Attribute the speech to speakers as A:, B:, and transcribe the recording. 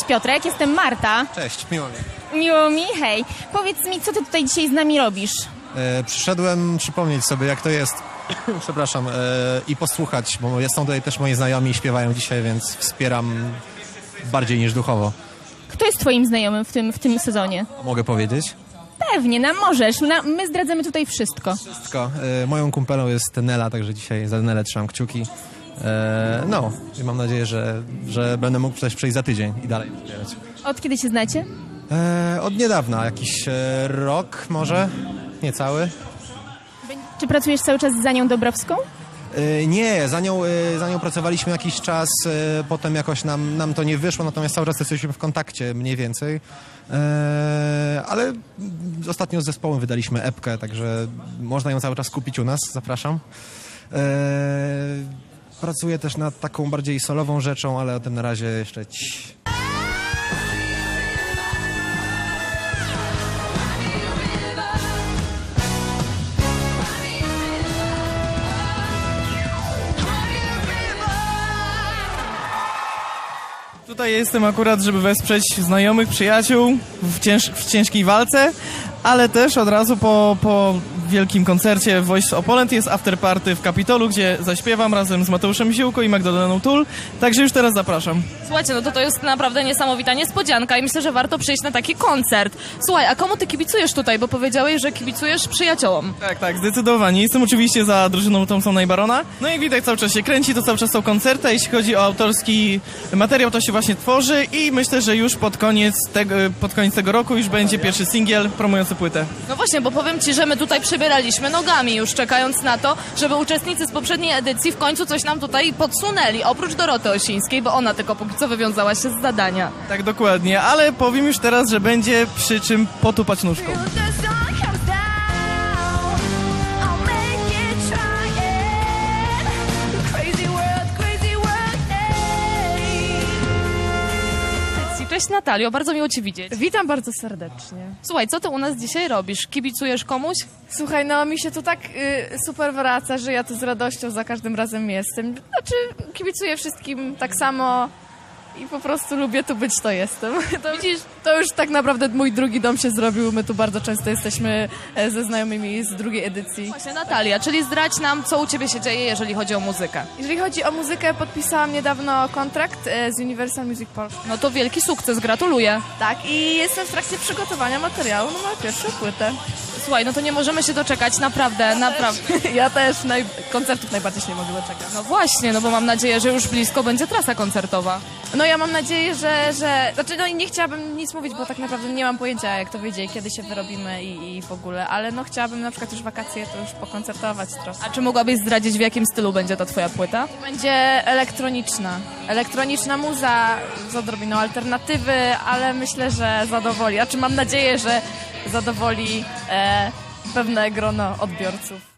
A: Cześć Piotrek, jestem Marta.
B: Cześć, miło mi.
A: Miło mi, hej. Powiedz mi, co ty tutaj dzisiaj z nami robisz?
B: Przyszedłem przypomnieć sobie, jak to jest, przepraszam, i posłuchać, bo są tutaj też moi znajomi i śpiewają dzisiaj, więc wspieram bardziej niż duchowo.
A: Kto jest twoim znajomym w tym sezonie?
B: Mogę powiedzieć?
A: Pewnie, możesz. My zdradzamy tutaj wszystko.
B: Wszystko. Moją kumpelą jest Nela, także dzisiaj za Nelę trzymam kciuki. No, i mam nadzieję, że będę mógł też przyjść za tydzień i dalej wspierać.
A: Od kiedy się znacie?
B: Od niedawna, jakiś rok może, niecały.
A: Czy pracujesz cały czas z Anią Dobrowską?
B: Nie, za nią pracowaliśmy jakiś czas, potem jakoś nam to nie wyszło, natomiast cały czas jesteśmy w kontakcie mniej więcej. Ale ostatnio z zespołem wydaliśmy epkę, także można ją cały czas kupić u nas, zapraszam. Pracuję też nad taką bardziej solową rzeczą, ale o tym na razie jeszcze
C: Tutaj jestem akurat, żeby wesprzeć znajomych, przyjaciół w ciężkiej walce, ale też od razu po wielkim koncercie Voice of Poland jest afterparty w Kapitolu, gdzie zaśpiewam razem z Mateuszem Ziółko i Magdaleną Tul, także już teraz zapraszam.
D: Słuchajcie, no to jest naprawdę niesamowita niespodzianka i myślę, że warto przyjść na taki koncert. Słuchaj, a komu ty kibicujesz tutaj, bo powiedziałeś, że kibicujesz przyjaciołom.
C: Tak, zdecydowanie. Jestem oczywiście za drużyną Thompsona i Barona. No i widać, cały czas się kręci, to cały czas są koncerty, a jeśli chodzi o autorski materiał, to się właśnie tworzy i myślę, że już pod koniec tego roku już będzie pierwszy singiel promujący płytę.
D: No właśnie, bo powiem ci, że my tutaj przebieraliśmy nogami już, czekając na to, żeby uczestnicy z poprzedniej edycji w końcu coś nam tutaj podsunęli, oprócz Doroty Osińskiej, bo ona tylko póki co wywiązała się z zadania.
C: Tak, dokładnie, ale powiem już teraz, że będzie przy czym potupać nóżką.
D: Cześć Natalio, bardzo miło cię widzieć.
E: Witam bardzo serdecznie.
D: Słuchaj, co ty u nas dzisiaj robisz? Kibicujesz komuś?
E: Słuchaj, no mi się tu tak super wraca, że ja tu z radością za każdym razem jestem. Znaczy, kibicuję wszystkim tak samo i po prostu lubię tu być, to jestem. Widzisz, to już tak naprawdę mój drugi dom się zrobił. My tu bardzo często jesteśmy ze znajomymi z drugiej edycji.
D: Właśnie Natalia, czyli zdradź nam, co u ciebie się dzieje, jeżeli chodzi o muzykę.
E: Jeżeli chodzi o muzykę, podpisałam niedawno kontrakt z Universal Music Polska.
D: No to wielki sukces, gratuluję.
E: Tak, i jestem w trakcie przygotowania materiału na moją pierwszą płytę.
D: Słuchaj, no to nie możemy się doczekać, naprawdę.
E: Ja też koncertów najbardziej się nie mogę doczekać.
D: No właśnie, no bo mam nadzieję, że już blisko będzie trasa koncertowa.
E: No ja mam nadzieję, znaczy no i nie chciałabym nic mówić, bo tak naprawdę nie mam pojęcia, jak to wyjdzie i kiedy się wyrobimy i w ogóle, ale no chciałabym na przykład już wakacje to już pokoncertować trochę.
D: A czy mogłabyś zdradzić, w jakim stylu będzie ta twoja płyta?
E: Będzie elektroniczna muza z odrobiną alternatywy, ale myślę, że zadowoli, mam nadzieję, że zadowoli pewne grono odbiorców.